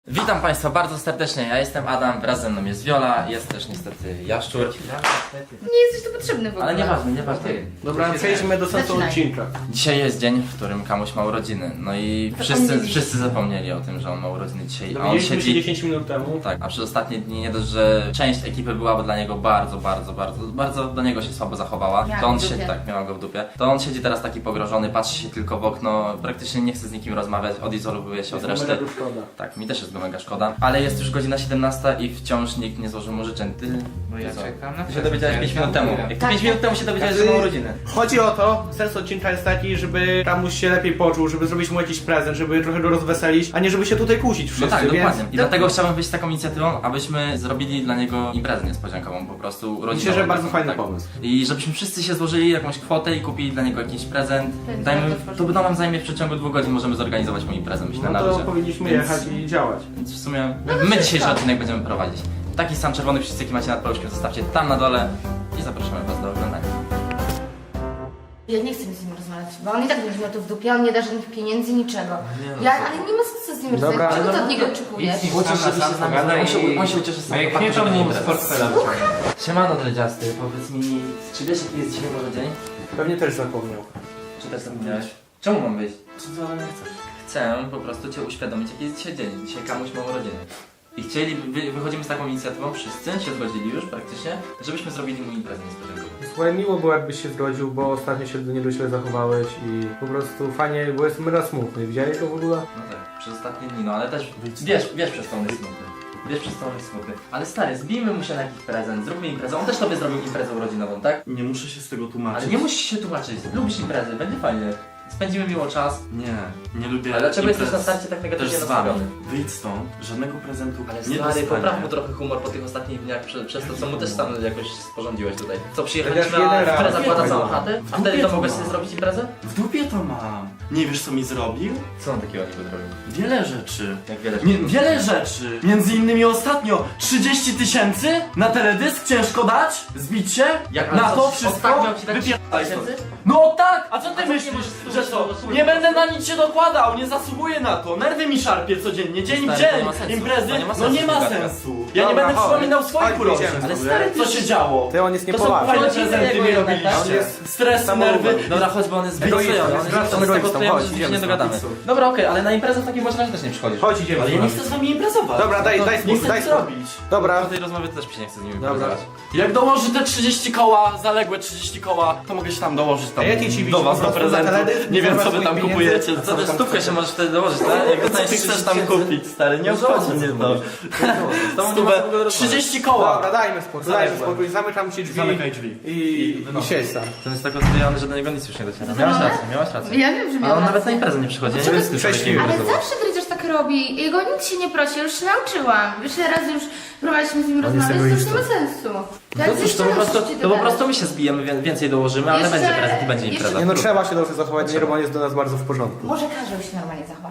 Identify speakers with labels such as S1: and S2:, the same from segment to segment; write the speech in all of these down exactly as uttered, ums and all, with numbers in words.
S1: Witam Państwa bardzo serdecznie, ja jestem Adam, wraz ze mną jest Wiola, jest też niestety Jaszczur.
S2: Nie jesteś tu potrzebny w ogóle.
S1: Ale nieważne, nieważne.
S3: Dobra, przejdźmy do sensu
S2: Zaczynaj.
S3: odcinka.
S1: Dzisiaj jest dzień, w którym Kamuś ma urodziny, no i wszyscy,
S2: Zapomnieli.
S1: wszyscy zapomnieli o tym, że on ma urodziny dzisiaj, a on
S3: Dowiedzieliśmy się
S1: siedzi...
S3: dziesięć minut temu.
S1: Tak, a przez ostatnie dni nie dość, że część ekipy była dla niego bardzo, bardzo, bardzo, bardzo do niego się słabo zachowała,
S2: Miała
S1: to on
S2: go w
S1: siedzi,
S2: dupie.
S1: tak, miała go w dupie, to on siedzi teraz taki pogrożony, patrzy się tylko w okno, praktycznie nie chce z nikim rozmawiać, odizolowuje się od
S3: Jest
S1: reszty.
S3: mega szkoda.
S1: Tak, mi też jest go mega szkoda, ale jest już godzina siedemnasta i wciąż nikt nie złożył mu życzeń. Ty,
S4: Bo ja
S1: ty co?
S4: czekam na
S1: Ty się dowiedziałeś pięć minut temu. Jak ty
S2: Tak,
S1: pięć
S2: tak.
S1: minut temu się dowiedziałeś, że ma urodziny.
S3: Chodzi o to, sens odcinka jest taki, żeby Kamuś się lepiej poczuł, żeby zrobić mu jakiś prezent, żeby trochę go rozweselić, a nie żeby się tutaj kłócić
S1: No
S3: wszyscy,
S1: tak,
S3: więc...
S1: dokładnie. I dlatego chciałbym wyjść z taką inicjatywą, abyśmy zrobili dla niego imprezę niespodziankową, po prostu urodzinową.
S3: Myślę, że bardzo fajny
S1: Tak.
S3: pomysł.
S1: I żebyśmy wszyscy się złożyli jakąś kwotę i kupili dla niego jakiś prezent.
S2: Ten
S1: Dajmy,
S2: prezent
S1: to by nam zajmie w przeciągu dwóch godzin, możemy zorganizować mu imprezę, myślę,
S3: No
S1: na
S3: to
S1: luzie.
S3: powinniśmy
S1: Więc-
S3: jechać i działać.
S1: Więc w sumie
S2: No to
S1: my
S2: wszystko.
S1: dzisiejszy odcinek będziemy prowadzić. Taki sam czerwony przycisk, jaki macie nad paluszkiem, zostawcie tam na dole i zapraszamy Was do oglądania.
S2: Ja nie chcę z nim rozmawiać, bo on i tak będzie miał to w dupie, on nie da żadnych pieniędzy, niczego.
S1: Nie no,
S2: Ja,
S1: co?
S2: ale nie ma sensu z nim
S3: Dobra,
S2: rozmawiać. Czego
S3: ale
S2: ty
S3: no-
S2: od niego oczekujesz?
S4: Idź, idź.
S1: Ucieszy
S4: Sam
S1: się
S4: na sam
S1: z nami,
S4: pogada
S1: on się,
S4: i-
S1: on się ucieszy z
S4: No jak
S1: faktu,
S4: nie,
S1: że
S4: to
S1: będzie
S4: mu
S1: impreza.
S4: sportfela
S1: Siemano dredziasty, powiedz mi, czy wiesz jaki jest dzisiaj może dzień?
S3: Pewnie też zapomniał.
S1: Czy też zapomniałeś? Czemu mam wyjść? Co ty ode mnie chcesz? Chcę po prostu Cię uświadomić jaki jest dzisiaj dzień. Dzisiaj Kamuś ma urodziny. I chcieli, wy, wychodzimy z taką inicjatywą, wszyscy się zgodzili już praktycznie, żebyśmy zrobili mu imprezę niespodziankową.
S3: Słuchaj, miło było jakbyś się zgodził, bo ostatnio się do niego źle zachowałeś i po prostu fajnie, bo jest mega smutny. Widziałeś go w ogóle?
S1: No tak, przez ostatnie dni, no ale też wiesz, wiesz przez to on jest smutny. Wiesz przez to on jest smutny. Ale stary, zbijmy mu się na jakiś prezent, zróbmy imprezę. On też tobie zrobił imprezę urodzinową, tak?
S5: Nie muszę się z tego tłumaczyć.
S1: Ale nie musisz się tłumaczyć, lubisz imprezy, będzie fajnie. Spędzimy miło czas.
S5: Nie, nie lubię.
S1: Ale dlaczego
S5: imprez.
S1: jesteś na starcie tak
S5: Też
S1: negatywnie
S5: z wami.
S1: nastawiony?
S5: Wyjdź stąd, żadnego prezentu
S1: Ale
S5: nie
S1: stary,
S5: dostanie.
S1: popraw mu trochę humor po tych ostatnich dniach prze, przez to, co mu też sam jakoś sporządziłeś tutaj. Co,
S3: Chociaż
S1: przyjechaliśmy,
S3: jeden
S1: a
S3: raz.
S1: impreza zakłada
S5: Nie,
S1: całą
S5: no.
S1: chatę? A
S5: W
S1: wtedy
S5: dupie
S1: to
S5: to
S1: mogłeś
S5: mam.
S1: sobie zrobić imprezę?
S5: W dupie to mam. Nie wiesz co mi zrobił?
S1: Co on takiego niby zrobił?
S5: Wiele rzeczy.
S1: Jak wiele
S5: Nie, wiele rzeczy. Między innymi ostatnio trzydzieści tysięcy na teledysk ciężko dać? Zbić się?
S1: Jak
S5: na
S1: co,
S5: to wszystko?
S1: ostatnio ci dać
S5: Wypierdalaj stąd.
S1: tysięcy?
S5: No tak! A co ty
S1: A co nie
S5: myślisz,
S1: możesz
S5: że
S1: tu-
S5: to?
S1: tu-
S5: Nie będę na nic się dokładał, nie zasługuję na to. Nerwy mi szarpie codziennie, dzień w
S1: Stary, to nie
S5: dzień.
S1: ma sensu.
S5: Imprezy,
S1: To nie ma
S5: no
S1: sensu,
S5: nie ma
S1: gadka.
S5: sensu. Ja nie
S3: Dobra,
S5: będę
S3: chodź.
S5: przypominał swoich
S3: Chodź,
S5: urodzin.
S3: idziemy
S1: Ale
S3: sobie.
S1: stary,
S5: Co się działo?
S3: Ty, on jest
S5: To są
S3: niepoważny.
S5: fajne
S1: Urodziny
S5: prezenty
S1: jego
S5: mi
S1: jednak,
S5: robiliście.
S3: On jest
S5: Stres,
S3: samolubem.
S5: nerwy.
S1: Dobra, chodź, bo on jest
S3: Egoistą,
S1: zbyt
S3: on jest
S1: on
S3: egoistą,
S1: jest tego
S3: chodź,
S1: że się
S3: idziemy
S1: nie
S3: z
S1: dogadamy.
S3: Matrixu.
S1: Dobra, okej, ale na imprezę w takim razie też nie przychodzisz.
S3: Chodź, idziemy.
S5: Ale ja nie chcę z wami imprezować.
S3: Dobra, daj,
S1: No to
S3: daj
S5: Nie
S3: spokój,
S5: chcę
S3: daj
S5: nic
S3: spokój.
S5: robić.
S3: Dobra.
S1: Po tej rozmowie też mi się nie chce z nimi
S3: Dobra.
S1: pracować.
S5: Jak dołoży te trzydzieści koła, zaległe trzydzieści koła, to mogę się tam dołożyć tam
S3: A jakie ci
S5: do
S3: widzi
S5: was
S3: po
S5: do
S3: prostu za
S5: prezentu.
S3: teledysk?
S5: Nie wiem co wy
S3: Zabrać
S5: tam
S3: moich
S5: kupujecie.
S3: pieniędzy?
S5: Co wy tam
S1: Stówkę się możesz wtedy dołożyć, tak? Jak
S5: Co
S1: dostaniesz
S5: ty chcesz
S1: trzydzieści
S5: tam
S1: tysięcy-
S5: kupić, stary? Nie
S1: No
S5: obchodzi
S1: zobacz,
S5: mnie
S1: co
S5: to.
S1: Z tobą nie ma co w ogóle
S5: Stówę,
S1: rozmawiać.
S5: trzydzieści koła.
S3: Dobra, dajmy spokój,
S5: Zaległe.
S3: dajmy spokój, zamykam ci drzwi
S5: Zamykaj drzwi.
S3: i, i siedź sam.
S1: Ten jest tak rozwijany, że do niego nic już nie dociera. Miałaś rację, miałaś rację.
S2: Ja wiem, że
S1: Ale
S2: miał
S1: on nawet na
S2: rację.
S1: imprezę nie przychodzi. Ja nie
S2: Czego
S1: wiem,
S3: ty
S1: co
S3: prześliwy?
S2: Ale
S1: takiego
S2: zawsze Dredziarz tak robi. Jego nikt się nie prosi, ja już się nauczyłam. Już ile razy już próbowaliśmy z nim rozmawiać, to już nie ma sensu.
S1: No cóż, to po, prostu, to po prostu my się zbijemy, wie- więcej dołożymy, ale
S2: Jeszcze-
S1: będzie prezent i będzie
S2: jeszcze-
S1: impreza.
S3: Nie no, trzeba się dobrze zachować, nie, bo on jest do nas bardzo w porządku.
S2: Może każdy się normalnie zachowa.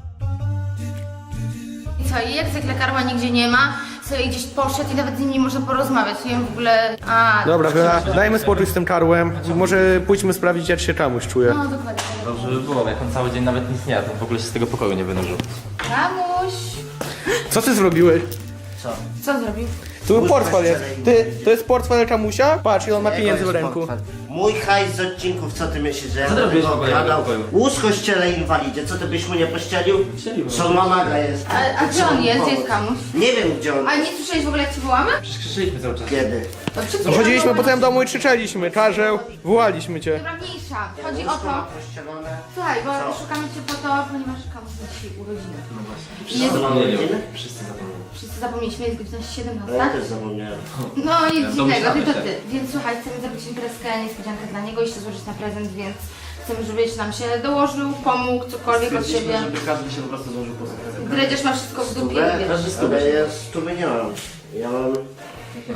S2: I co, i jak zwykle Karła nigdzie nie ma, sobie gdzieś poszedł i nawet z nim nie można porozmawiać. Nie wiem w ogóle... A,
S3: Dobra, Wiola, dajmy spokój z tym karłem. Może pójdźmy sprawdzić, jak się Kamuś czuje.
S2: No dokładnie.
S1: Dobrze by było, jak on cały dzień nawet nic nie jadł, w ogóle się z tego pokoju nie wynurzył.
S2: Kamuś.
S3: Co ty zrobiłeś?
S2: Co zrobił?
S3: Tu portfel jest. Ty, to jest portfel Kamusia? Patrz, ile on ma pieniędzy w ręku.
S6: Mój hajs z odcinków, co ty myślisz, że ja
S1: Co ty
S6: będę
S1: robisz w
S6: go
S1: ogóle w
S6: okradał?
S1: pokoju?
S6: Łóż kościele inwalidzie, co ty byś mu nie pościelił?
S1: Pościeliłem.
S6: Co mamaga jest.
S2: A, a gdzie on jest? Gdzie jest Kamuś?
S6: Nie wiem gdzie on.
S2: A nie słyszałeś w ogóle jak ci wołamy?
S1: Przecież krzyczyliśmy cały czas.
S6: Kiedy?
S2: To przed
S3: No
S2: chwilą
S3: chodziliśmy po
S2: wołamy.
S3: całym domu i krzyczeliśmy, Karzeł, wołaliśmy cię.
S2: Dobra, mniejsza. Chodzi o
S6: Łóżko ma
S2: to...
S6: pościelone.
S2: Słuchaj, bo
S6: Co?
S2: szukamy cię po to, ponieważ Kamuś ma dzisiaj urodziny.
S1: No właśnie.
S2: Jest-
S1: Wszyscy zapomnieli.
S6: Urodziny?
S1: Wszyscy zapomnieli.
S2: Wszyscy zapomnieliśmy, jest godzina
S6: No ja
S2: siedemnasta.
S6: też zapomniałem.
S2: No nic
S1: Ja
S2: dziwnego,
S1: domyślamy
S2: tylko
S1: się.
S2: ty. Więc słuchaj, chcemy zrobić imprezkę, niespodziankę dla niego i się złożyć na prezent, więc chcemy, żebyś nam się dołożył, pomógł, cokolwiek od siebie.
S1: Stwierdziliśmy, żeby każdy się po prostu złożył po sobie prezent.
S2: Dredziarz ma wszystko w dupie,
S6: Stówę?
S2: wiesz.
S1: Każdy stówę
S6: Ale
S1: się-
S6: ja stówy nie mam. Ja mam...
S1: Jak nie masz?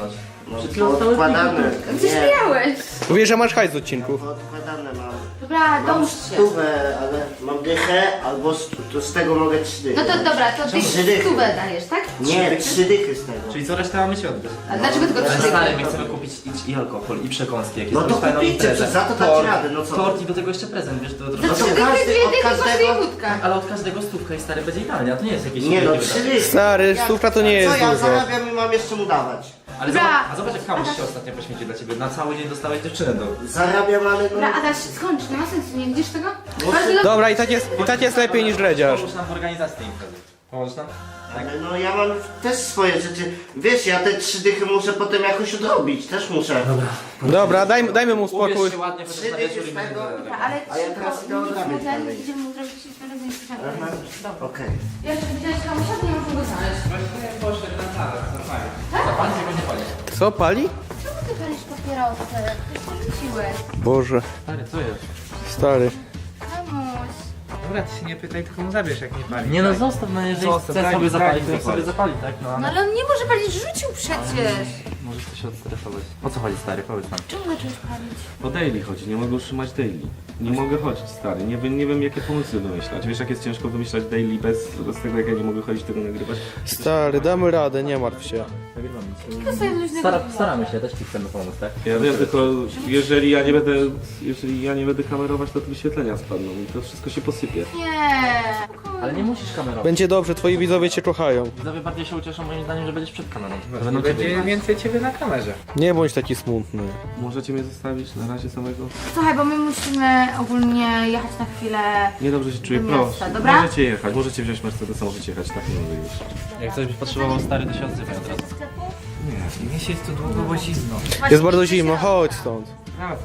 S6: No,
S1: Przed chwilą zostały
S6: odkładane.
S2: Gdzieś
S6: Nie,
S2: miałeś.
S3: Mówię, że masz hajs z odcinków.
S6: odkładane mam.
S2: Dobra,
S6: Mam
S2: dołóż się.
S6: stówę, ale mam dychę, albo stu, to z tego mogę trzy dychy.
S2: No to dobra, to ty
S6: Trzy dychy.
S2: stówę dajesz, tak?
S6: Nie, trzy dychy z tego.
S1: Czyli co resztę mamy ci oddać.
S2: A dlaczego tylko
S1: Ale
S2: trzy
S1: stary, my
S2: dychy?
S1: chcemy kupić i, i alkohol, i przekąski jakieś.
S6: No to
S1: zrobić fajną
S6: kupijcie,
S1: imprezę.
S6: to za to dać
S1: Tort,
S6: radę, no co?
S1: Tort i do tego jeszcze prezent, wiesz, to
S2: Za
S1: trochę...
S2: trzy
S6: to
S2: dychy,
S6: każdy-
S2: dwie
S6: od
S2: dychy kosztuje
S6: każdego-
S2: wódka.
S1: Ale od każdego stówka i stary będzie idealnie, a to nie jest jakieś...
S6: Nie no,
S1: wielkie
S6: trzy
S1: wydatki.
S6: dychy.
S3: Stary, stówka to nie
S6: Co
S3: jest
S6: ja
S3: dużo.
S6: zarabiam i mam jeszcze mu dawać?
S1: Ale
S2: Dobra.
S1: zobacz, a zobacz jak kamuś się ostatnio poświęcił dla ciebie. Na cały dzień dostałeś dziewczynę do...
S6: Zarabiam, ale no...
S2: Dobra, Adaś, skończ, nie ma sensu, nie widzisz tego?
S6: Bo-
S2: Bardzo dobrze.
S3: Dobra, i tak jest, i tak jest lepiej niż dredziarz.
S1: Pomóż nam w organizacji tej imprezy. Pomożesz nam? Tak.
S6: Ale no ja mam też swoje rzeczy. Wiesz, ja te trzy dychy muszę potem jakoś odrobić, też muszę.
S3: Dobra, dajmy, dajmy mu spokój.
S1: Ubierz się ładnie, chociaż
S6: Trzy
S1: na
S6: dychy
S1: wieczór i
S6: z
S1: będzie
S6: tego.
S1: zaraz.
S2: Dobra, ale
S6: A ja
S2: szybko,
S6: teraz idę
S2: nie
S6: odrabiać
S2: mów, ten,
S6: dalej.
S2: idziemy zrobić razem z
S6: Aha.
S2: Dobra.
S6: Okej.
S2: Ja jeszcze widziałeś kamusia, to nie możemy go znaleźć.
S1: Właśnie poszedł na salę, zapali. Zapali, tylko nie pali.
S3: Co, pali?
S2: Czemu ty palisz papierosy? Ty porzuciłeś.
S3: Boże,
S1: Stary, co jest?
S3: stary.
S2: Kamuś.
S3: Dobra, ty się nie pytaj, tylko mu zabierz, jak nie pali.
S1: Nie no, zostaw, no jeżeli
S3: Zostaw,
S1: chce
S3: daj
S1: sobie
S3: mi,
S1: zapalić,
S3: daj
S1: to
S3: mi
S1: niech sobie zapali, tak? No,
S2: No
S1: ale...
S2: ale on nie może palić, rzucił przecież.
S1: Możesz to się odstresować. O co chodzi, stary? Powiedz nam.
S2: Czemu zacząłeś palić?
S4: O daily chodzi, nie mogę utrzymać daily. Nie mogę chodzić, stary. Nie wiem, nie wiem jakie pomysły wymyślać. Wiesz jak jest ciężko wymyślać daily bez, bez tego jak ja nie mogę chodzić tego nagrywać.
S3: Stary, damy radę, nie martw się.
S2: To sobie luźnego
S1: Stara,
S2: dnia.
S1: staramy się, też ci chcemy pomóc, tak?
S4: Ja wiem, tylko jeżeli ja nie będę, jeżeli ja nie będę kamerować, to te wyświetlenia spadną i to wszystko się posypie.
S2: Nie.
S1: Ale nie musisz kamerować.
S3: Będzie dobrze, twoi widzowie cię kochają.
S1: Widzowie bardziej się ucieszą moim zdaniem, że będziesz przed kamerą. To
S3: No
S1: będą ciebie.
S3: więcej ciebie na kamerze. Nie bądź taki smutny.
S4: Możecie mnie zostawić na razie samego?
S2: Słuchaj, bo my musimy ogólnie jechać na chwilę.
S4: Niedobrze się czuję,
S2: Do miasta,
S4: proszę.
S2: dobra?
S4: Możecie jechać, możecie wziąć Mercedesa, możecie jechać, tak nie mogę już.
S1: Jak coś byś potrzebował, stary, to się odzywaj od razu.
S4: Nie, nie siedź tu długo, bo zimno.
S3: Jest bardzo zimno, chodź stąd.
S4: Raz,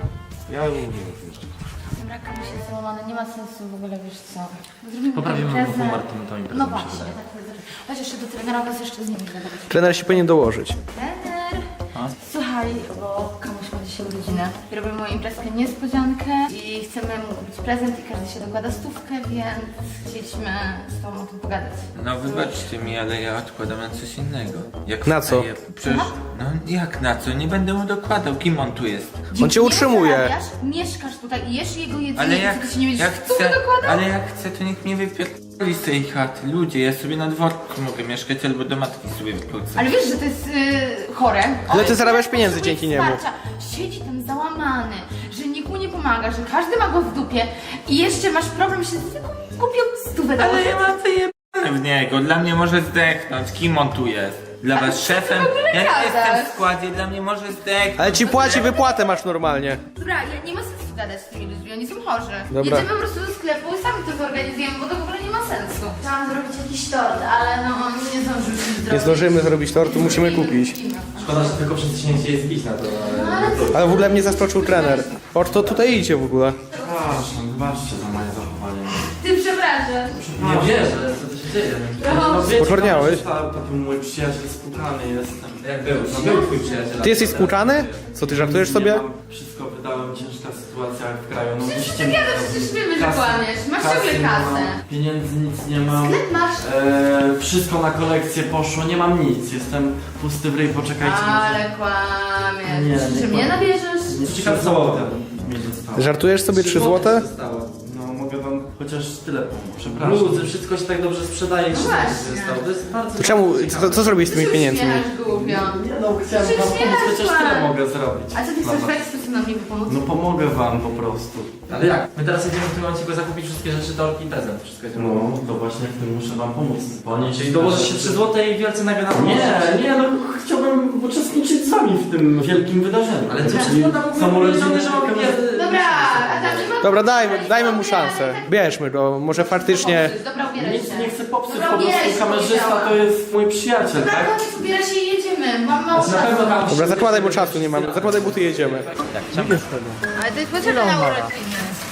S4: ja umiem już jeszcze.
S2: Dobra, kamuś jest załamany, nie ma sensu w ogóle, wiesz co. Zrobimy
S1: Poprawimy
S2: imprezę.
S1: humor tym, tą imprezą,
S2: No
S1: mi się
S2: właśnie,
S1: wydaje.
S2: tak powiedzieć. Chodź jeszcze do trenera, was jeszcze z nim gadać.
S3: Trener się powinien dołożyć.
S2: Trener!
S1: A?
S2: Słuchaj, bo kamuś ma dzisiaj urodzinę. Robimy mu imprezkę niespodziankę i chcemy mu kupić prezent i każdy się dokłada stówkę, więc chcieliśmy z tobą o tym pogadać.
S7: No wybaczcie mi, ale ja odkładam na coś innego. Jak
S3: Na co?
S7: wstaję- Przecież, no jak na co? Nie będę mu dokładał. Kim on tu jest?
S3: On cię
S2: Nie
S3: utrzymuje.
S2: zarabiasz, mieszkasz tutaj i jesz jego jedzenie,
S7: Ale
S2: i
S7: jak,
S2: ty się nie będziesz
S7: jak
S2: stówy
S7: chcę,
S2: dokładał?
S7: ale jak chcę, to niech mnie wypierdoli z tej chaty. Ludzie, ja sobie na dworku mogę mieszkać albo do matki sobie wypłucę.
S2: Ale wiesz, że to jest yy, chore.
S3: Ale ty
S2: On
S3: zarabiasz
S2: potrzebuje
S3: pieniędzy dzięki niemu.
S2: wsparcia. Siedzi tam załamany, że nikt mu nie pomaga, że każdy ma go w dupie i jeszcze masz problem, że tylko kupił stówę do
S7: Ale ja mam wyjebane w niego. Dla mnie może zdechnąć. Kim on tu jest? Dla was szefem?
S2: w ogóle
S7: Ja nie
S2: gadasz?
S7: jestem w składzie, dla mnie może zdechnąć.
S3: Ale ci płaci, wypłatę masz normalnie.
S2: Dobra, ja nie ma sensu gadać z tymi ludźmi, oni są chorzy.
S3: Dobra.
S2: Jedziemy po prostu do sklepu i sami to zorganizujemy, bo to w ogóle nie ma sensu. Chciałam zrobić jakiś tort, ale no nie zdążyliśmy zrobić.
S3: Nie zdążymy zrobić tortu, musimy kupić.
S1: Szkoda, że tylko przedsięwzięcie jest bić na to,
S2: No
S1: ale...
S2: ale
S3: Ale w ogóle mnie zaskoczył trener. O, to tutaj idzie w ogóle.
S1: Przepraszam, wybaczcie za moje zachowanie.
S2: ty przepraszam.
S1: Nie wierzę, co tu się dzieje.
S2: No,
S3: Poczwarniałeś?
S5: Taki mój przyjaciel spłukany jestem.
S1: Jak był? No był twój przyjaciel.
S3: Ty jesteś skłuczany? Co, ty żartujesz sobie?
S5: Nie mam, wszystko wydałem, ciężka sytuacja w kraju. No
S2: Przecież
S5: musicie
S2: ty
S5: mi
S2: wiadomo,
S5: zrobić.
S2: przecież wiemy, że
S5: Kasy-
S2: kłamiesz. Masz
S5: kasy
S2: ciągle
S5: nie
S2: kasę.
S5: mam, Pieniędzy nic nie mam.
S2: Sklep masz.
S5: E, wszystko na kolekcję poszło, nie mam nic. Jestem pusty w ryj, poczekajcie.
S2: Ale kłamiesz.
S5: Nie,
S2: Czy
S5: nie
S2: mnie
S5: kłamię.
S2: nabierzesz?
S5: może trzy złote mi zostało.
S3: Żartujesz sobie trzy złote?
S1: Zostało.
S5: No mogę wam chociaż tyle, przepraszam.
S1: Bluzy, wszystko się tak dobrze sprzedaje,
S2: No
S1: że
S2: właśnie.
S1: zostało. To jest bardzo...
S3: To czemu, co, co zrobisz z tymi pieniędzmi?
S2: głupio.
S5: Nie no, chciałem
S2: Przecież
S5: wam
S2: nie
S5: pomóc,
S2: masz
S5: chociaż
S2: pan.
S5: tyle mogę zrobić.
S2: A co ty
S5: Dla
S2: chcesz w
S5: was.
S2: jaki sposób nam niby pomóc?
S5: No pomogę wam po prostu.
S1: Ale jak? My teraz jedziemy w tym momencie go zakupić wszystkie rzeczy, torki i prezent. Wszystko jedziemy.
S5: No, to właśnie w tym muszę wam pomóc. Bo nie
S1: Czyli dołożysz się trzy złote i wielce nagle na
S5: Nie, nie, no chciałbym uczestniczyć z wami w tym wielkim wydarzeniu.
S1: Ale co
S5: Czyli są urodziny,
S1: że mamy pier-
S2: Dobra, Adam, nie ma...
S3: Dobra, dajmy, dajmy mu szansę. Bierzmy go, może faktycznie...
S2: Dobra, ubieraj
S5: Nic
S2: się.
S5: nie chcę popsuć,
S2: Dobra,
S5: po prostu
S2: ubieraj się,
S5: kamerzysta
S2: powiedziałam.
S5: to jest mój przyjaciel,
S2: Dobra,
S5: tak?
S2: koniec, ubieraj się i jedziemy. Mam mało
S1: Na pewno
S2: czasu.
S1: tam...
S3: Dobra, zakładaj, bo czasu nie mamy. Zakładaj buty i jedziemy.
S2: Ale to jest potrzebne na urodziny.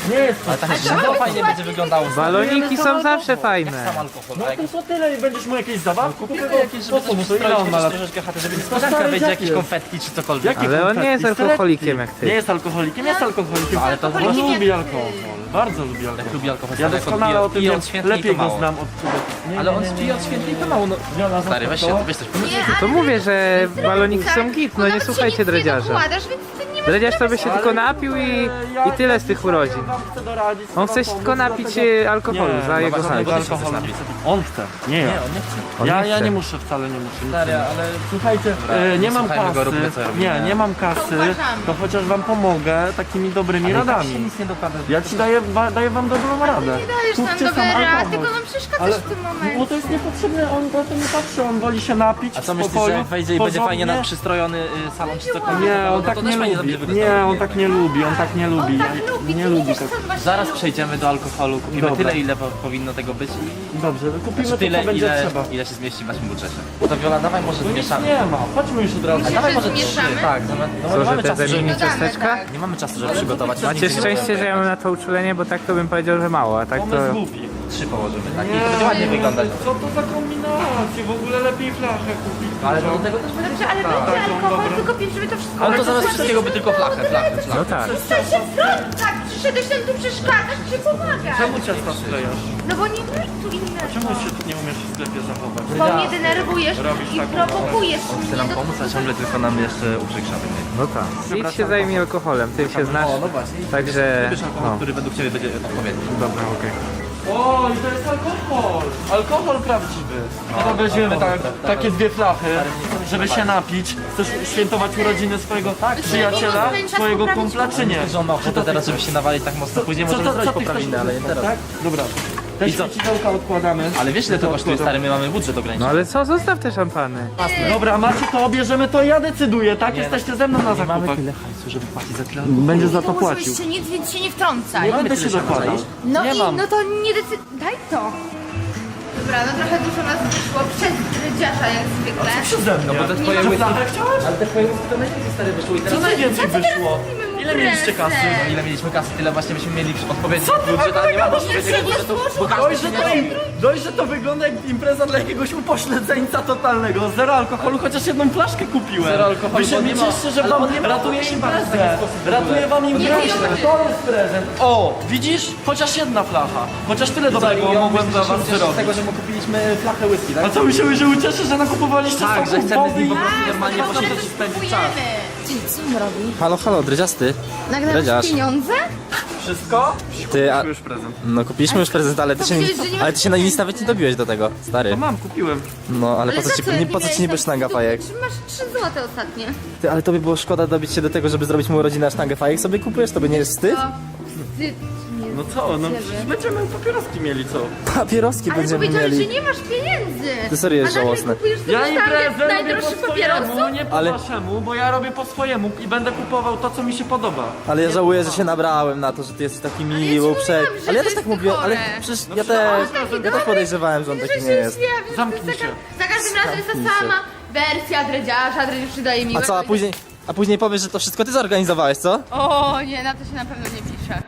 S3: Nie jest to.
S1: Ale tak żywo fajnie będzie wyglądało.
S4: Baloniki są zawsze fajne.
S1: Sam alkohol.
S3: No to co tyle i będziesz mu jakieś zabawki?
S1: Kupimy
S3: Kupię
S1: jakieś, żeby coś
S3: to ile on ma lat?
S1: troszeczkę chaty, żeby
S3: stary
S1: niespodzianka będzie
S3: dziad
S1: jakieś
S3: jest.
S1: konfetki czy cokolwiek.
S3: Jakie
S4: Ale on nie jest
S3: konfetki?
S4: alkoholikiem jak
S3: Nie
S4: ty.
S3: jest alkoholikiem, jest alkoholikiem.
S1: Ale to
S3: on
S2: alkoholikiem
S3: lubi
S2: jak
S3: alkohol. Bardzo lubi alkohol.
S1: lubi alkohol.
S3: Ja
S1: stary, jak
S3: doskonale
S1: odbija-
S3: o tym
S1: pije
S3: wiem.
S1: od świętej,
S3: Lepiej
S1: to
S3: go
S1: mało.
S3: znam od ciebie. Nie,
S1: Ale
S3: nie,
S1: on
S3: nie, nie.
S1: pije od świętej, to mało. No.
S3: Wiola,
S1: Stary, weź się,
S3: to?
S1: weź coś
S2: Nie,
S1: pomyśl.
S2: ale
S4: To mówię, że
S2: zrobi
S4: baloniki
S2: tak.
S4: są git, no nie
S2: Nawet się
S4: słuchajcie
S2: nic nie
S4: dredziarza.
S2: dokładasz, więc ty nie masz
S4: Dredziarz to by się
S3: Ale
S4: tylko
S3: nie,
S4: napił i,
S3: ja-
S4: i tyle z tych urodzin.
S3: Ja wam chcę doradzić,
S4: On
S3: chcę
S4: chce się
S3: wam
S4: tylko
S3: pomóc,
S4: napić
S3: dlatego-
S4: e, alkoholu
S3: Nie,
S4: za
S3: no
S4: jego
S3: właśnie,
S4: hajs.
S3: tego alkoholu nie chce. On chce, nie ja.
S1: Nie, on nie chce.
S4: On
S3: Ja,
S4: nie
S3: ja
S4: chce.
S3: nie muszę, wcale nie muszę. nic
S1: Stary,
S3: nie.
S1: ale
S3: Słuchajcie,
S1: Dobra,
S3: e, nie mam
S1: słuchajmy
S3: kasy,
S1: go, róbmy, co robimy.
S3: nie, nie mam kasy,
S2: uważamy.
S3: to chociaż wam pomogę takimi dobrymi
S1: ale tak się
S3: radami.
S1: nic nie dokłada.
S3: Ja ci daję, wa, daję wam dobrą radę.
S2: Nie dajesz nam
S3: Kupcie
S2: dobry
S3: sam
S2: rad,
S3: alkohol.
S2: tylko nam przeszkadzasz
S3: Ale-
S2: w tym
S3: Bo
S2: momencie.
S3: to jest niepotrzebne, on na to nie patrzy, on woli się napić
S1: A co
S3: w
S1: myślisz,
S3: spokoju,
S1: że jak wejdzie i będzie fajnie
S3: porządnie?
S1: nam przystrojony y, salon czy cokolwiek?
S3: Nie,
S1: to-
S3: on
S1: to
S3: tak
S1: też
S3: nie
S1: fajnie
S3: lubi.
S1: będzie wyglądało.
S3: Nie, on tak nie lubi, on tak nie lubi.
S2: On tak lubi,
S3: Nie
S2: ty
S3: lubi
S2: wiesz,
S3: tak.
S2: co on właśnie
S1: Zaraz
S2: lubi.
S1: przejdziemy do alkoholu, kupimy
S3: Dobra.
S1: tyle, ile po, powinno tego być i
S3: Dobrze, kupimy
S1: znaczy
S3: to,
S1: tyle,
S3: co będzie
S1: ile,
S3: trzeba.
S1: ile się zmieści w naszym budżecie. To Viola, dawaj może
S3: No nic
S1: zmieszamy.
S3: nie ma, chodźmy już od razu.
S2: Myślisz,
S1: Dawaj
S2: że
S1: może trzy,
S2: zmieszamy?
S1: tak. No, no,
S4: Co,
S1: nie
S4: że
S1: mamy
S4: te
S1: czasu, żeby...
S4: zamieni
S2: Dodamy,
S4: ciasteczka?
S2: tak.
S1: Nie mamy czasu, żeby przygotować.
S4: Macie
S1: Nic nie
S4: szczęście, że ja mam na to uczulenie, bo tak to bym powiedział, że mało, a tak to...
S3: Pomysł głupi.
S1: Trzy położymy, tak? I
S3: Nie,
S1: to będzie ładnie
S3: no,
S1: wyglądać.
S3: Co to za kombinacje? W ogóle lepiej flachę kupić.
S1: Ale do tego też będzie...
S2: Dobrze, ale będzie alkohol, tylko pięć, żeby to wszystko...
S1: Ale to zamiast wszystkiego by tylko flachę, flachę,
S4: No
S1: flachę.
S4: tak.
S2: Przestań się wtrącać! Tak, przyszedłeś tam tu przeszkadzać, czy pomagasz?
S3: Czemu ciasta sklejasz?
S2: No bo nie masz tu innego.
S3: Czemu się nie umiesz w sklepie zachować?
S2: Bo mnie denerwujesz
S3: Robisz
S2: i
S3: taką-
S2: prowokujesz
S1: Chce
S2: mnie
S1: nam
S2: do
S1: pomóc, a ciągle tylko nam jeszcze uprzykrzały.
S4: No tak. Idź się zajmij alkoholem, ty się znasz.
S1: O, no właśnie.
S4: Także...
S1: Wybierz alkohol,
S4: No.
S1: który według Ciebie będzie odpowiedni.
S4: Dobra, okej.
S3: O, i to jest alkohol! Alkohol prawdziwy. No to weźmiemy tak, takie dwie flachy, żeby się napić. Chcesz świętować urodziny swojego przyjaciela, swojego kumpla, czy nie?
S1: Że on ma ochotę teraz, żeby się nawalić tak mocno. Później możemy zrobić
S3: ty chcesz
S1: poprawiny, ale nie teraz.
S3: Tak? Dobra. Te
S1: I co?
S3: świecidełka odkładamy.
S1: Ale wiesz ile to kosztuje, stary, my mamy budżet
S4: No
S1: ograniczony.
S4: ale co, zostaw te szampany.
S3: Dobra, macie to, bierzemy to, ja decyduję, tak? Jesteście ze mną na
S1: Nie mamy
S3: zakupach.
S1: tyle hajsu, żeby płacić za tyle.
S3: Będziesz za
S2: Nie
S3: to płacił.
S2: muszę nic, więc się nie wtrącaj.
S3: Nie będę
S1: tyle
S3: się dokładał.
S1: szans,
S2: No
S3: nie
S2: i
S3: mam.
S2: no to nie decyd... Daj to. Dobra, no trochę dużo nas wyszło przez rydziarza jak zwykle.
S3: Przeze mnie.
S1: No bo te
S2: Nie
S1: twoje
S2: ma
S1: łyski...
S3: flachę chciałeś?
S1: Ale te twoje łyski to najlepiej, stary, wyszło i teraz...
S3: Co najwięcej
S2: Co ty teraz
S3: wyszło?
S2: robimy mu
S3: Ile mieliście kasy?
S2: presę?
S1: No ile mieliśmy kasy, tyle właśnie byśmy mieli odpowiedni budżet, a nie mamy odpowiedniego
S2: Nie
S1: budżetu, bo
S2: słuchaj,
S3: Dość,
S1: każdy
S3: że to, dość, że to wygląda jak impreza dla jakiegoś upośledzeńca totalnego. Zero alkoholu, chociaż jedną flaszkę kupiłem.
S1: Zero alkoholu,
S3: Wy się
S1: bo nie ma-
S3: cieszcie, że
S1: ale
S3: wam
S1: on nie ma
S3: ratuje
S1: się bawić w
S3: imprezę.
S1: taki sposób w ogóle.
S3: Ratuje wam imprezę.
S2: Nie,
S3: To jest prezent. O, widzisz? Chociaż jedna flacha. Chociaż tyle dobrego mogłem dla was
S1: z
S3: zrobić.
S1: tego, że mu kupiliśmy flachę whisky, tak?
S3: A co, myślałem, że ucieszę, że nakupowaliście
S1: Tak,
S3: soków,
S1: że chcemy z
S3: wody
S1: nim
S3: i...
S1: po prostu
S2: A,
S1: normalnie
S2: to
S1: posiedzieć
S2: teraz
S1: i spędzić czas.
S2: kupujemy. Co on robi?
S1: Halo, halo, dredziasty.
S2: Nagle
S1: Dredziarz.
S2: pieniądze?
S3: Wszystko?
S1: Ty, a...
S3: Już prezent.
S1: No kupiliśmy już prezent, ale ty się nie...
S2: Powiedziałeś, że nie
S1: Ale
S2: masz
S1: ty się na nic nawet nie dobiłeś do tego, stary.
S3: To mam, kupiłem.
S1: No, ale po co
S2: za
S1: ci,
S2: jak
S1: nie, po co ci niby
S2: miałeś
S1: sztanga
S2: tam
S1: fajek?
S2: stu- Masz trzy złote ostatnie.
S1: Ty, ale tobie było szkoda dobić się do tego, żeby zrobić mu urodziny, a sztangę fajek sobie kupujesz? Tobie nie jest wstyd?
S2: To wstyd. Nie.
S3: No co, no
S2: Ciebie.
S3: przecież będziemy papieroski mieli, co?
S1: Papieroski
S2: Ale
S1: będziemy
S2: powiedziałeś,
S1: mieli.
S2: że nie masz pieniędzy.
S1: Ty serio jest
S2: A nagle
S1: żałosne.
S2: kupujesz sobie
S3: Ja
S2: sztangę
S3: imprezę robię
S2: najdroższych
S3: po swojemu,
S2: papierosów?
S3: nie po
S1: Ale-
S3: waszemu, bo ja robię po swojemu i będę kupował to, co mi się podoba.
S1: Ale ja żałuję, że się nabrałem na to, że ty jesteś taki
S2: Ale ja ci
S1: miły,
S2: mówiłam,
S1: uprzejmy.
S2: że
S1: Ale ja
S2: to
S1: też tak
S2: jest
S1: mówiłem, ale
S2: chore.
S1: przecież
S3: No
S1: ja
S3: przecież
S1: też,
S3: on
S2: taki
S1: ja
S2: dobry.
S1: też podejrzewałem, że on
S2: Że
S1: taki
S2: się
S1: nie jest.
S2: zjawił, że
S3: Zamknij
S2: za,
S3: się.
S2: Za każdym razem jest
S1: Zamknij
S2: ta
S1: się.
S2: sama wersja dredziarza, dredziarz przydaje mi.
S1: A co, a później, a później powiesz, że to wszystko ty zorganizowałeś, co?
S2: O nie, na to się na pewno nie pisze.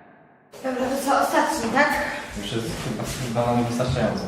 S2: Dobra, to co, ostatni, tak?
S1: Już jest chyba nam wystarczająco.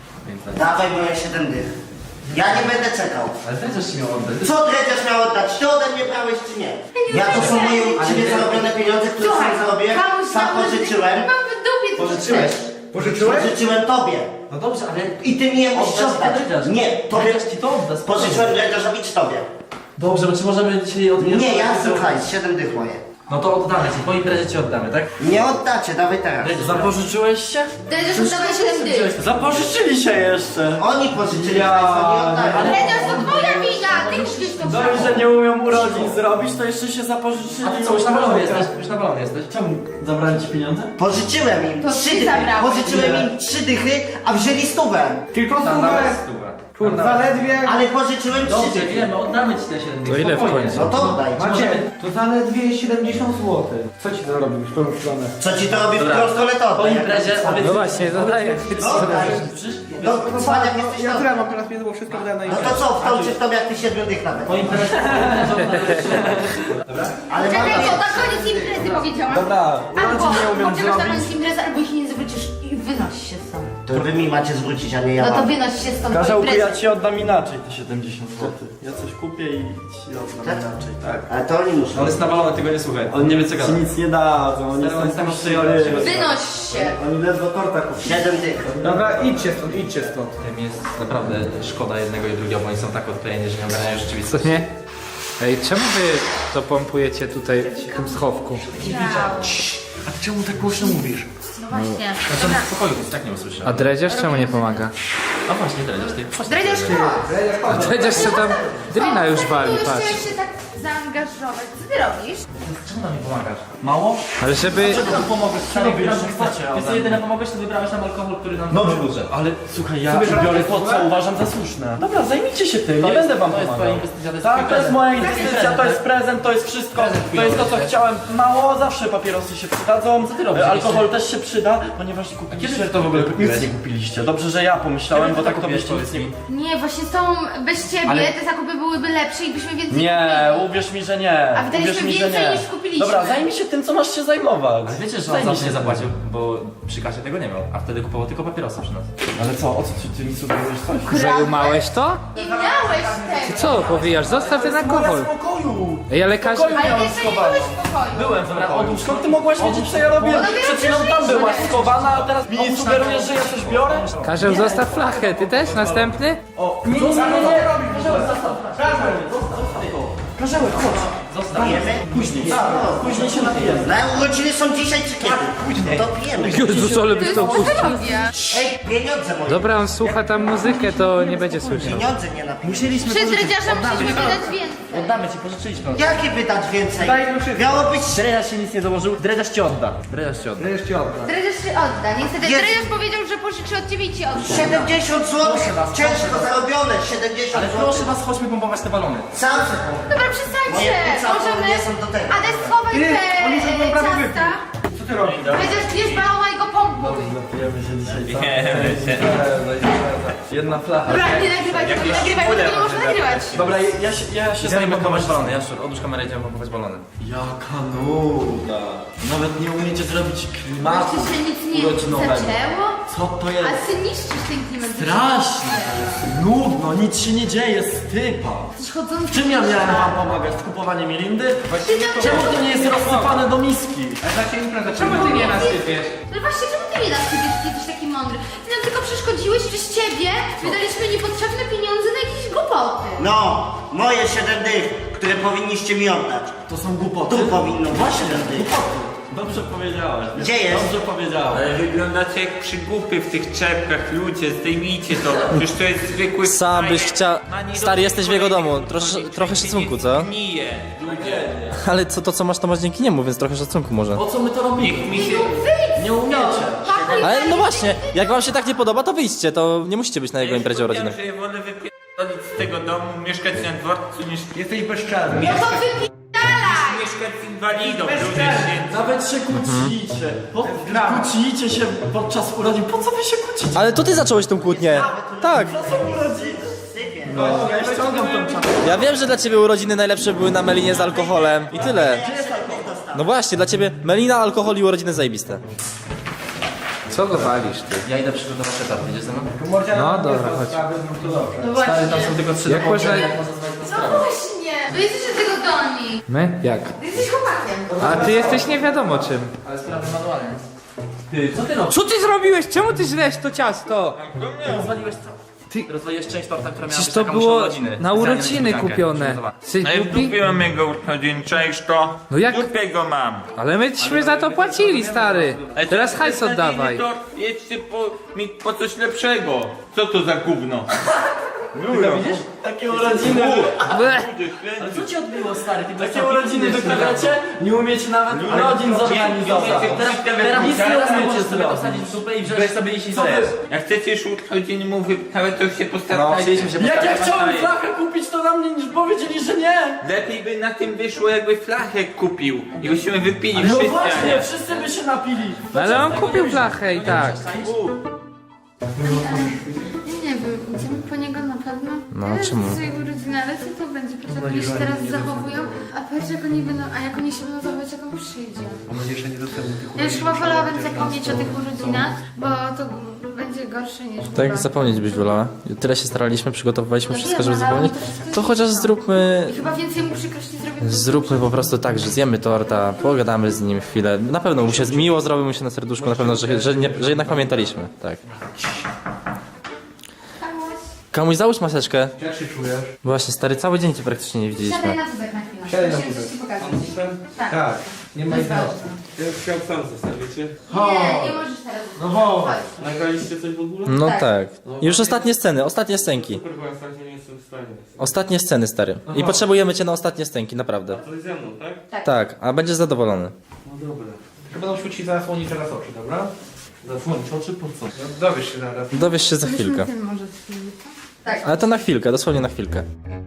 S6: Dawaj, bo ja siedem dych. Ja nie będę czekał.
S1: Ale dredziarz ci miał oddać.
S6: Co dredziarz miał oddać? Ty ode mnie brałeś czy nie? Ja to są moje uczciwie zarobione pieniądze, które sam zarobiłem,
S2: kamuś
S6: sam
S2: tam
S6: pożyczyłem.
S2: Mam w dupie to
S1: Pożyczyłeś?
S3: Pożyczyłeś?
S6: Pożyczyłem tobie.
S1: No dobrze, ale...
S6: I ty mi je musisz
S1: Oddać
S6: oddać.
S1: dredziarz.
S6: Nie, tobie.
S1: Dredziarz ci to odda, spokojnie.
S6: Pożyczyłem dredziarzowi czy tobie?
S1: Dobrze, bo czy możemy dzisiaj odmierzyć?
S6: Nie, ja słuchaj, siedem dych moje.
S1: No to oddamy ci, po imprezie ci oddamy, tak?
S6: Nie oddacie, dawaj teraz.
S3: Zapożyczyłeś się?
S2: Dredziarz oddawaj siedem dych.
S3: Zapożyczyli się jeszcze.
S6: Oni pożyczyli,
S3: Ja-
S6: państwo nie oddają.
S2: Dredziarz to twoja wina, ty musisz to
S3: Dość, że nie umią urodzin zrobić, to jeszcze się zapożyczyli.
S1: A ty co, już na balonie jesteś? Już na balonie jesteś?
S3: Czemu zabrali ci pieniądze?
S6: Pożyczyłem im
S2: To
S6: trzy
S2: ty
S6: dychy.
S2: zabrałeś.
S6: Pożyczyłem im trzy dychy, a wzięli stówę.
S3: Tylko
S1: Tam
S3: stówę.
S1: nawet stówę.
S8: Kurde, zaledwie...
S6: Ale pożyczyłem trzy
S1: Dobrze,
S6: dychy.
S1: wiemy, oddamy ci te siedem dych.
S4: To ile w
S1: Spokojnie.
S4: końcu?
S6: No to oddaj.
S8: Macie, to zaledwie siedemdziesiąt złotych. Co ci to robi w tą stronę?
S6: Co ci to robi w
S1: Dobra.
S6: którą stronę to
S1: Po
S6: oddaj.
S1: imprezie obiecujesz.
S4: No właśnie, zadaję.
S6: Oddaj. No,
S8: No
S6: cwaniak
S8: tak, no,
S6: jesteś
S8: ja
S6: to.
S8: które mam teraz pieniądze, bo wszystko wydałem na
S6: No
S8: imprezę.
S6: to co, w tą czy w tą jak ty siedmiu dych nawet?
S1: Po imprezie
S6: Ale mam
S2: Czekaj, bo
S6: nadzieję...
S2: na koniec imprezy powiedziałam.
S8: Dobra,
S2: Albo
S8: urodzin nie umiem
S2: poczekasz na
S8: zrobić.
S2: koniec imprezy, albo jeśli nie zwrócisz i wynoś się stąd.
S6: To wy mi macie zwrócić, a nie ja
S2: No to
S6: wam.
S2: wynoś się stąd po
S3: Karzełku, ja
S2: imprezie.
S3: ci oddam inaczej te siedemdziesiąt złotych. Ja coś kupię i ci oddam inaczej, tak.
S6: Ale to oni muszą.
S1: On jest nawalony, tego nie słuchaj. On nie wie co
S3: Ci
S1: gada.
S3: nic nie dadzą, oni
S1: Stary, on jest
S3: są
S1: tam
S3: puszczeni.
S2: Wynoś się.
S3: Oni ledwo torta kupili.
S6: Siedem dych.
S8: Dobra, idźcie stąd, idźcie stąd.
S1: Tym jest naprawdę szkoda jednego i drugiego, bo oni są tak odklejeni, że nie ogarniają rzeczywistości.
S9: Nie? Ej, czemu wy to pompujecie tutaj w tym schowku?
S8: A ty czemu tak głośno mówisz?
S2: No właśnie.
S1: Znaczy on w spokoju, więc tak nie usłyszę.
S9: A dredziarz czemu nie pomaga?
S1: A właśnie, dredziarz, ty chodź.
S2: Dredziarz
S9: A dredziarz co tam drina już wali,
S2: Już
S9: patrz.
S2: chciałeś się tak zaangażować. Co ty robisz?
S1: Czemu nam nie pomagasz?
S3: Mało?
S9: Ale żeby...
S3: Czego tu pomogłeś? Co robisz? Chcecie
S1: Wiesz co, jedyne pomogłeś, to wybrałeś nam alkohol, który nam
S3: Dobrze,
S1: budżet.
S3: ale słuchaj, ja biorę to, co uważam za słuszne. Dobra, zajmijcie się tym, nie będę wam
S1: To jest twoja
S3: pomagał.
S1: inwestycja, to jest
S3: Tak,
S1: twój
S3: to jest
S1: prezent.
S3: moja inwestycja, to jest prezent, to jest wszystko. To jest to, co chciałem. Mało, zawsze papierosy się przydadzą.
S1: Co ty robisz?
S3: Alkohol też się przyda, ponieważ nie kupiliście.
S1: kiedy to w ogóle
S3: Nic
S1: kupiłeś?
S3: nie kupiliście. Dobrze, że ja pomyślałem,
S1: Kiedy
S3: bo
S1: ty
S3: tak
S1: to
S3: to
S1: kupiłeś,
S3: byście nic
S1: powiedz
S3: nie
S1: mi?
S2: Nie, właśnie z tą, bez ciebie
S1: Ale-
S2: te zakupy byłyby lepsze i byśmy więcej
S3: Nie,
S2: kupili.
S3: uwierz mi, że nie.
S2: A wydaliśmy
S3: Uwierz mi, że
S2: więcej
S3: nie.
S2: niż kupiliśmy.
S3: Dobra, zajmij się tym, co masz się zajmować.
S1: Ale wiecie, że on
S3: Zajmij
S1: zawsze
S3: się
S1: nie
S3: tym.
S1: zapłacił, bo przy kasie tego nie miał, a wtedy kupował tylko papierosy przy nas.
S3: Ale co, o co ty, ty mi sugerujesz coś?
S9: Zajumałeś to?
S2: Nie miałeś tego.
S9: Co powijasz? Zostaw ten alkohol.
S3: Spokoju!
S9: Ej, ale każdy...
S3: Spokoju
S2: Ale
S3: miałem
S2: jeszcze nie
S3: schowane.
S2: byłeś w pokoju.
S3: Byłem w pokoju. Skąd ty mogłaś wiedzieć, co ja robię?
S2: No dopiero
S3: Przed chwilą tam
S2: przyszliśmy.
S3: byłaś schowana, a teraz mi sugerujesz, że ja coś biorę?
S9: Karzeł, zostaw flachę. Ty też? Następny?
S3: O, nie, nie, nie, nie, Karzełek, zostaw, Karzełek, zostaw to. Karzełek, chodź.
S6: Pijemy?
S3: Później, później się napijemy.
S6: Na urodziny są dzisiaj czy kiedy? Później. To pijemy.
S9: Jezus, ale byś to puścił.
S6: Ej, pieniądze moje.
S9: Dobra, on słucha tam muzykę, to nie będzie słyszał.
S6: Pieniądze nie napijemy.
S1: Musieliśmy
S2: Przy dredziarza musieliśmy wydać więcej.
S1: Oddamy ci, pożyczyliśmy.
S6: Jakie wydać więcej?
S8: Dajmy wszystko.
S6: Miało być...
S1: Dredziarz się nic nie dołożył, dredziarz ci odda. Dredziarz ci odda.
S8: Wreszcie odda.
S2: Dredziarz się odda. Niestety
S6: Jest.
S2: dredziarz powiedział, że pożyczy od ciebie i ci odda.
S6: siedemdziesiąt złotych.
S1: Proszę was,
S6: Ciężko
S1: proszę was.
S6: zarobione. siedemdziesiąt
S1: Ale
S6: złotych.
S1: proszę was, chodźmy pompować te balony.
S6: Sam
S2: Dobra, przestańcie.
S6: Moje płuca
S2: Możemy...
S6: nie są do tego.
S2: Ades, schowaj
S8: Ty,
S2: te
S8: oni już będą
S2: e,
S8: prawie
S2: ciasta.
S8: Co ty robisz?
S2: Dredziarz bierz balona i go pompuj.
S3: Napijemy się dzisiaj, co? Jedna flacha.
S2: Dobra, nie nagrywaj, tego nie nagrywaj, bo tego nie można nagrywać.
S3: Dobra, ja się, ja się
S1: Idziemy
S3: zajmę
S1: pompować
S3: kamerzą.
S1: balony, Jaszczur, odłóż kamerę, idziemy pompować balony.
S3: Jaka nuda. Nawet nie umiecie zrobić klimatu
S2: Jeszcze się nic nie
S3: urodzinowego.
S2: zaczęło?
S3: Co to
S2: A
S3: jest?
S2: ty niszczysz ten klimat.
S3: Strasznie. Nudno, nic się nie dzieje, stypa.
S2: Jesteś chodzący.
S3: W czym ja miałem wam pomagać? W kupowaniu mirindy?
S2: Ty tam-
S3: Czemu to nie jest rozsypane do miski?
S9: Czemu ty nie nasypiesz?
S2: No właśnie, czemu ty mnie nasypiesz, ty jesteś taki mądry? Ty nam tylko przeszkodziłeś, przez ciebie wydaliśmy niepotrzebne pieniądze na jakieś głupoty.
S6: No, moje siedem dych, które powinniście mi oddać.
S3: To są głupoty?
S6: Tu powinno być siedem dych.
S3: Dobrze powiedziałeś.
S6: Gdzie jest?
S3: Dobrze powiedziałeś.
S7: Ale wyglądacie jak przygłupy w tych czepkach, ludzie, zdejmijcie to. Przecież to jest zwykły
S10: Sam byś
S7: frajer.
S10: chciał-
S7: Ma nie
S10: Stary,
S7: robić
S10: jesteś w jego
S7: kolejnych
S10: domu. Trosz-
S7: głupoty,
S10: trochę
S7: przecież
S10: szacunku,
S7: nie
S10: co?
S7: Gnije, ludzie.
S10: Ale co to co masz, to masz dzięki niemu, więc trochę szacunku może.
S3: Po co my to robimy?
S7: Niech mi się...
S3: Nie umiecie.
S10: Ale no właśnie, jak wam się tak nie podoba, to wyjdźcie, to nie musicie być na jego imprezie urodzinowej.
S7: że ja wolę wypierdolić z tego domu, mieszkać na dworcu niż...
S8: Jesteś bezczelny.
S2: No to wypierdalaj!
S7: Mieszkać z inwalidą, ludzie święci.
S3: Nawet się kłócicie. Po, kłócicie się podczas urodzin. Po co wy się kłócicie?
S10: Ale to ty zacząłeś tą kłótnię. Tak.
S3: No, ja ściągam tą czapkę.
S10: Ja wiem, że dla ciebie urodziny najlepsze były na melinie z alkoholem. I tyle. No właśnie, dla ciebie melina, alkohol i urodziny zajebiste.
S9: Co go walisz ty?
S1: Ja idę przygotować etap, wiecie ze mną?
S9: No dobra, chodź.
S2: No właśnie.
S1: Tam są tylko trzy
S9: Jak
S1: domowe,
S9: można-
S1: jak można znaleźć na
S2: No
S1: sprawę.
S2: właśnie. No jesteś od tego doni.
S9: My? Jak?
S2: Ty jesteś chłopakiem.
S9: A ty jesteś nie wiadomo czym.
S1: Ale sprawdzę manualnie. Ty, co ty robisz?
S9: Co ty zrobiłeś? Czemu ty źlesz to ciasto?
S1: Rozwaliłeś co? Ty rozwaliłeś część torta, która miała
S9: Przecież
S1: być
S9: to
S1: taką
S9: było
S1: urodziny.
S9: na
S1: Specjalnie
S9: urodziny
S1: niespodziankę.
S9: kupione.
S1: Przygotowana.
S9: Jesteś
S7: No i
S9: głupi?
S7: kupiłem jego urodzin, cześć to.
S9: No jak?
S7: Dupie go mam.
S9: Ale myśmy za to płacili, stary.
S7: Ale
S9: Teraz
S7: to-
S9: hajs
S7: to-
S9: oddawaj.
S7: To jedźcie po, mi po coś lepszego. Co to za gówno?
S5: Ty widzisz? Takie urodziny. Ale co ci odbiło, stary? Ty takie urodziny wyprawiacie? Nie umiecie nawet urodzin zorganizować.
S1: Teraz, teraz nic nie umiecie sobie dosadzić w dupę i wziąć sobie jeśli
S5: Co wy?
S1: chcesz.
S7: Jak chcecie już urodziny mu wyprawiać, to się
S1: No,
S7: postarajcie.
S1: chcieliśmy się
S5: Jak ja
S1: postawić
S5: chciałem
S1: na jej.
S5: flachę kupić, to na mnie niż powiedzieli, że nie.
S7: Lepiej by na tym wyszło, jakby flachę kupił i byśmy wypili
S5: No
S7: wszyscy, a
S5: właśnie,
S7: nie.
S5: wszyscy by się napili.
S9: No ale on kupił flachę i tak.
S2: Nie wiem, idziemy po niego na pewno.
S10: No,
S2: Teraz
S10: czemu?
S2: jest jego urodziny, ale co to będzie? Patrz jak oni się teraz zachowują, a patrz jak oni będą, a jak oni się będą zachować, jak on przyjdzie. Ja już chyba wolałabym zapomnieć o tych urodzinach, bo to będzie gorsze niż
S10: Tak,
S2: chyba.
S10: zapomnieć byś wolała. Tyle się staraliśmy, przygotowywaliśmy
S2: No
S10: wszystko,
S2: wiem,
S10: żeby
S2: ale
S10: zapomnieć.
S2: to wszystko
S10: To
S2: jest-
S10: chociaż zróbmy...
S2: I chyba więcej mu przykrości zrobię.
S10: Zróbmy po prostu tak, że zjemy torta, pogadamy z nim chwilę. Na pewno mu się miło zrobi mu się na serduszku, na pewno, że, że, nie, że jednak pamiętaliśmy. Tak. Komuś załóż maseczkę.
S8: Jak się czujesz?
S10: Właśnie, stary, cały dzień cię praktycznie nie
S2: Siadaj
S10: widzieliśmy.
S2: na wózek na chwilę.
S8: Siadaj na
S2: Musimy
S8: wózek.
S2: coś ci pokazać. Tak.
S8: Tak. Nie ma
S2: Bez
S8: innego.
S2: walki.
S4: Ja już chciałem sam zostawicie.
S2: Nie, nie możesz teraz.
S8: No ho.
S2: Chodź.
S4: Nagraliście coś w ogóle?
S10: No
S2: Tak.
S10: tak. Już ostatnie sceny, ostatnie scenki.
S4: Super, bo ja sam nie jestem w stanie.
S10: Ostatnie sceny, stary. I potrzebujemy cię na ostatnie scenki, naprawdę.
S4: To ze mną, tak?
S10: Tak, a będziesz zadowolony.
S4: No dobra.
S8: Tylko będą świecić zasłonić teraz oczy, dobra?
S5: Zasłonić oczy po co?
S8: No, dowiesz się zaraz.
S10: Dowiesz się za chwilkę.
S2: Ten może z filmu. Tak.
S10: Ale to na chwilkę, dosłownie na chwilkę.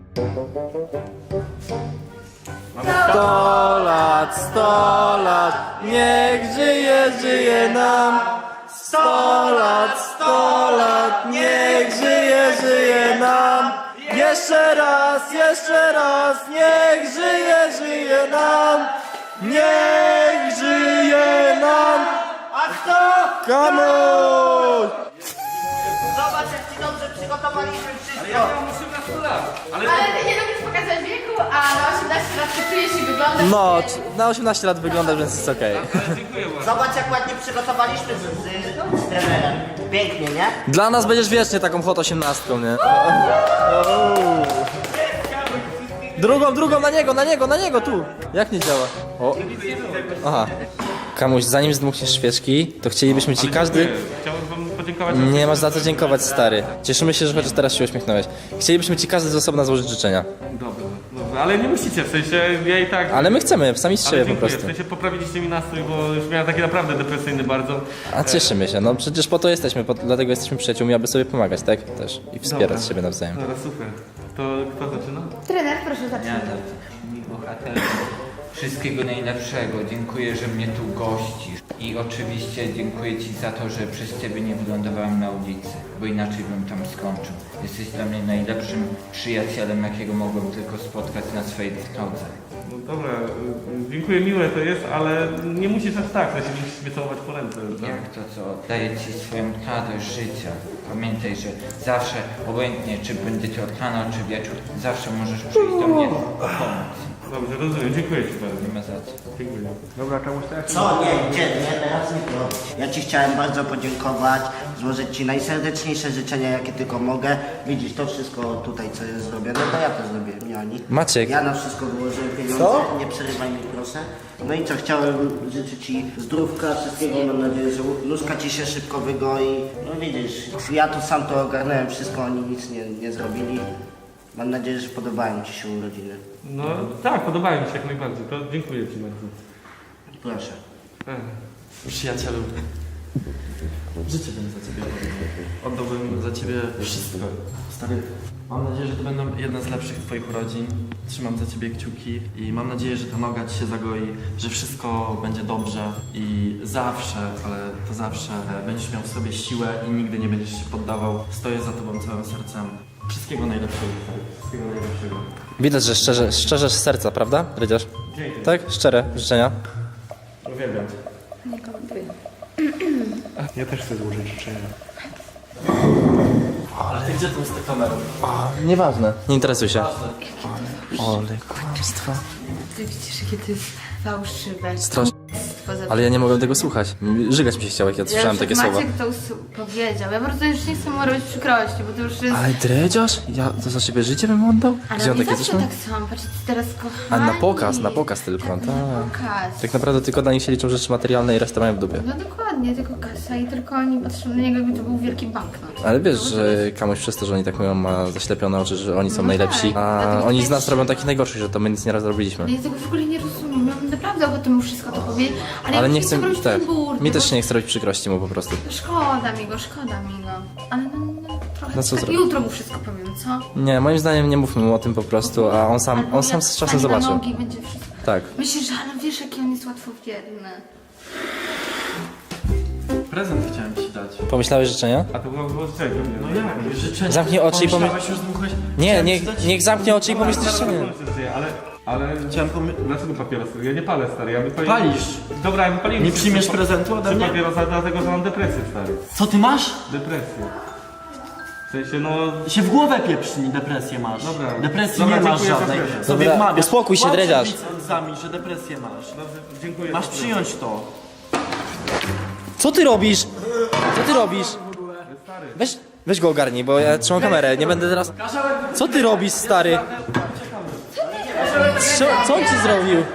S10: Sto lat, sto lat, niech żyje, żyje nam. Sto lat, sto lat, niech żyje, żyje nam. Jeszcze raz, jeszcze raz, niech żyje, żyje nam. Niech żyje nam. A kto? Kamuś!
S6: Zobacz, jak ci dobrze przygotowaliśmy wszystko.
S2: Ale ty nie lubisz pokazać wieku, a na osiemnaście lat ty czujesz i wyglądasz.
S10: No,
S2: nie-
S10: c- na osiemnaście lat wygląda, więc jest okej.
S6: Zobacz, jak ładnie przygotowaliśmy z, z, z trenerem. Pięknie, nie?
S10: Dla nas będziesz wiecznie taką hot osiemnastką, nie? Drugą, drugą na niego, na niego, na niego, tu! Jak nie działa? O. Aha. Kamuś, zanim zdmuchniesz świeczki, to chcielibyśmy ci każdy...
S4: Chciałbym wam podziękować.
S10: Nie masz za co dziękować, stary. Cieszymy się, że chociaż teraz się uśmiechnąłeś. Chcielibyśmy ci każdy z osobna złożyć życzenia.
S4: Dobra, dobra, ale nie musicie, w sensie ja i tak...
S10: Ale my chcemy, sami z
S4: Ale
S10: siebie po
S4: dziękuję,
S10: prostu.
S4: w sensie poprawiliście mi nastrój, bo już miałem taki naprawdę depresyjny bardzo.
S10: A cieszymy się, no przecież po to jesteśmy, po, dlatego jesteśmy przyjaciółmi, aby sobie pomagać, tak? Też. I wspierać
S4: Dobra.
S10: siebie nawzajem.
S4: Dobra, super. To kto zaczyna?
S2: Trener, proszę zacznij.
S7: Ja tak, mi bohater. Wszystkiego najlepszego. Dziękuję, że mnie tu gościsz. I oczywiście dziękuję Ci za to, że przez Ciebie nie wylądowałem na ulicy, bo inaczej bym tam skończył. Jesteś dla mnie najlepszym przyjacielem, jakiego mogłem tylko spotkać na swojej drodze.
S4: No dobra, y, dziękuję, miłe to jest, ale nie musisz aż tak, że się musisz mnie całować po ręce. tak?
S7: Jak to co, daję Ci swoją radość życia. Pamiętaj, że zawsze, obojętnie czy będzie to rano czy wieczór, zawsze możesz przyjść do mnie po pomoc.
S4: Dobrze, rozumiem, dziękuję Ci bardzo.
S7: Nie ma za co.
S4: Dziękuję.
S8: Dobra, czemuś tak?
S6: Co? Nie, gdzie? Nie, teraz nie to. Ja Ci chciałem bardzo podziękować, złożyć Ci najserdeczniejsze życzenia, jakie tylko mogę. Widzisz, to wszystko tutaj, co jest zrobione, to ja to zrobiłem, nie oni.
S10: Maciek.
S6: Ja na wszystko wyłożyłem pieniądze,
S10: Co?
S6: nie przerywaj mi proszę. No i co, chciałem życzyć Ci zdrówka, wszystkiego, mam nadzieję, że nóżka Ci się szybko wygoi. No widzisz, ja tu sam to ogarnąłem wszystko, oni nic nie, nie zrobili. Mam nadzieję, że podobają Ci się urodziny.
S4: No tak, podobają mi się jak najbardziej, to dziękuję Ci bardzo.
S6: Proszę.
S4: Ech.
S5: Przyjacielu, życie bym za ciebie oddał. Oddałbym za ciebie wszystko. Stary, mam nadzieję, że to będą jedne z lepszych twoich urodzin. Trzymam za ciebie kciuki i mam nadzieję, że ta noga ci się zagoi, że wszystko będzie dobrze i zawsze, ale to zawsze będziesz miał w sobie siłę i nigdy nie będziesz się poddawał. Stoję za tobą całym sercem. Wszystkiego najlepszego. Wszystkiego najlepszego.
S10: Widać, że szczerze, szczerze z serca, prawda, Rydziarz?
S4: Dzięki.
S10: Tak? Szczere życzenia?
S4: Uwielbiam Cię.
S2: Nie komentuję.
S8: Ja też chcę złożyć życzenia.
S5: Ale ty gdzie tu jest ta kamera?
S10: Nieważne. Nie interesuj się. Ole, kłamstwo.
S2: Ty widzisz, jakie to jest fałszywe.
S10: Strasznie.
S2: Kłamstwo zepsuł.
S10: Ale ja nie mogłem tego słuchać. Żygać mi się chciało, jak ja słyszałem takie
S2: Maciek
S10: słowa.
S2: to usu- powiedział. Ja po prostu już nie chcę mu robić przykrości, bo to już jest...
S10: Ale dredziarz? Ja to za ciebie życie bym oddał?
S2: Ale
S10: Gdzie on
S2: oni
S10: takie
S2: zawsze
S10: coś ma?
S2: tak są, patrzcie, teraz
S10: A
S2: kochani.
S10: na pokaz, na pokaz tylko,
S2: Tak,
S10: tak.
S2: na pokaz.
S10: Tak naprawdę tylko dla nich się liczą rzeczy materialne i resztę mają w dupie.
S2: No dokładnie, tylko kasa i tylko oni patrzą na niego, jakby to był wielki banknot.
S10: Ale wiesz, że komuś przez to, że oni tak mówią, ma zaślepione oczy, że oni są
S2: No
S10: najlepsi,
S2: tak,
S10: a
S2: dlatego
S10: oni z
S2: też-
S10: nas robią takich najgorszych, że to my nic nie raz zrobiliśmy.
S2: Ja tego w ogóle nie rozumiem, ja bym naprawdę ochotę mu wszystko to powiedzieć, ale,
S10: Ale
S2: ja
S10: nie chcę,
S2: robić
S10: tak,
S2: ten burdy,
S10: mi
S2: bo-
S10: też się nie chce robić przykrości mu po prostu.
S2: Szkoda mi go, szkoda mi go. Ale no, no trochę
S10: No co
S2: tak,
S10: zrobić?
S2: jutro mu wszystko powiem, co?
S10: Nie, moim zdaniem nie mówmy mu o tym po prostu, a on sam,
S2: Albo
S10: on sam
S2: jak
S10: z czasem
S2: wstanie na
S10: zobaczy.
S2: nogi, będzie wszystko.
S10: Tak.
S2: Myślisz, że ale wiesz, jaki on jest łatwowierny.
S5: Prezent chciałem ci dać.
S10: Pomyślałeś życzenia?
S4: A to było było z czego?
S5: No jak? Życzę.
S10: Zamknij oczy i pomyśl...
S5: Pomyślałeś, już dmuchłeś?
S10: Nie,
S5: Chciałem
S10: niech,
S5: ci dać-
S10: niech zamknie oczy i pomyśl życzenie.
S4: Ale, ale
S5: Chciałem pomy...
S4: dlaczego papierosy? Ja nie palę, stary, ja wypaliłem...
S5: Palisz.
S4: Dobra, ja wypaliłem...
S5: Nie przyjmiesz prezentu ode
S4: Trzy
S5: mnie?
S4: papierosa, dlatego że mam depresję, stary.
S5: Co ty masz?
S4: Depresję. W sensie, no...
S5: Się w głowę pieprzni, depresję masz.
S4: Dobra.
S5: Depresji
S4: Dobra,
S5: nie masz
S4: dziękuję za
S5: żadnej.
S4: prezent.
S5: Sobie
S10: Dobra,
S5: wmawiasz.
S10: uspokój się,
S5: Kłamstwo
S10: dredziarz.
S5: widzami, że depresję masz.
S4: Dobrze, dziękuję.
S5: Masz
S4: za prezent.
S5: przyjąć to.
S10: Co ty robisz? Co ty robisz? Weź, weź go ogarnij, bo ja trzymam kamerę, nie będę teraz... Co ty robisz, stary? Co, co on ci zrobił?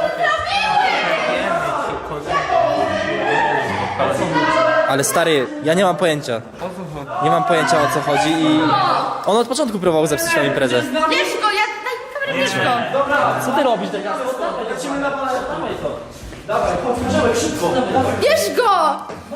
S10: Ale stary, ja nie mam pojęcia. Nie mam pojęcia, o co chodzi i... On od początku próbował zepsuć tą imprezę.
S2: Bierz go, ja... Daj mi kamerę, bierz go!
S10: Co ty robisz?
S2: Bierz go!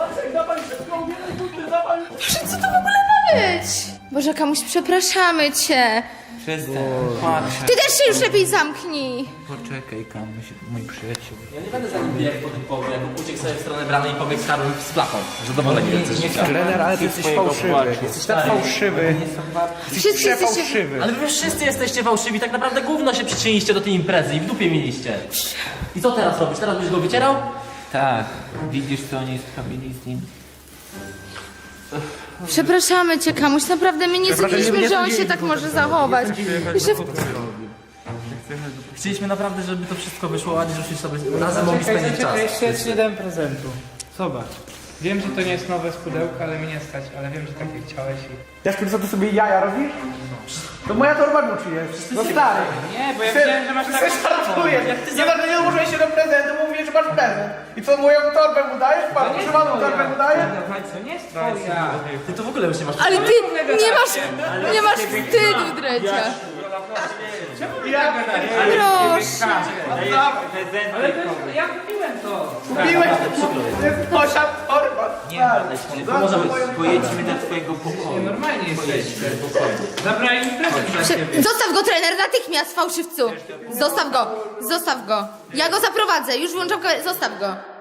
S2: Boże, co to w ogóle ma być? Boże, Kamuś, przepraszamy cię.
S7: Przestań, patrz.
S2: Ty też się już lepiej zamknij.
S7: Poczekaj, Kamuś, mój przyjaciel.
S10: Ja nie będę za nim biegł po tym południu, jak uciekł sobie w stronę bramy i pobiegł z karłem z flachą. Zadowolenie jesteś życia.
S8: Trener, ale ty jesteś fałszywy. Jesteś tak fałszywy.
S2: Wszyscy jesteście...
S8: Fałszywy.
S10: Ale wy wszyscy jesteście fałszywi, tak naprawdę gówno się przyczyniliście do tej imprezy i w dupie mieliście. I co teraz robisz? Teraz będziesz go wycierał?
S7: Tak, widzisz co oni zrobili z nim?
S2: Przepraszamy cię, Kamuś, naprawdę my nie sądziliśmy, że on się tak może zachować. I że...
S1: Chcieliśmy naprawdę, żeby to wszystko wyszło ładnie, żebyśmy sobie razem mogli
S9: Czekaj,
S1: spędzić
S9: czekaj,
S1: czas.
S9: jeszcze ja ci nie dałem prezentu. Zobacz. Wiem, że to nie jest nowe z pudełka, ale mnie nie stać, ale wiem, że takie chciałeś i...
S8: Jaszczur, co ty sobie jaja robisz? To moja torba Gucci jest. No stary.
S9: Nie, bo ja wiedziałem, że masz taką...
S8: Ty żartujesz. Nie tak, nie użyłeś się do prezentu, mówisz, że masz prezent. I co, moją torbę mu dajesz? Pan używaną torbę mu dajesz?
S9: To nie jest twoja.
S1: Ty to w ogóle już nie masz...
S2: Ale ty nie masz... Nie masz wstydu, Drecia.
S8: Ja
S2: Proszę.
S9: Ale to jest... ja kupiłem to.
S8: kupiłeś to jest moja torba.
S7: Może pojedźmy do twojego pokoju.
S9: Normalnie jesteście. Zabrali mi prezent dla
S2: Prze-
S9: ciebie.
S2: Zostaw go, trener, natychmiast, fałszywcu. Zostaw go, zostaw go. Ja go zaprowadzę, już włączam kamerę, zostaw go.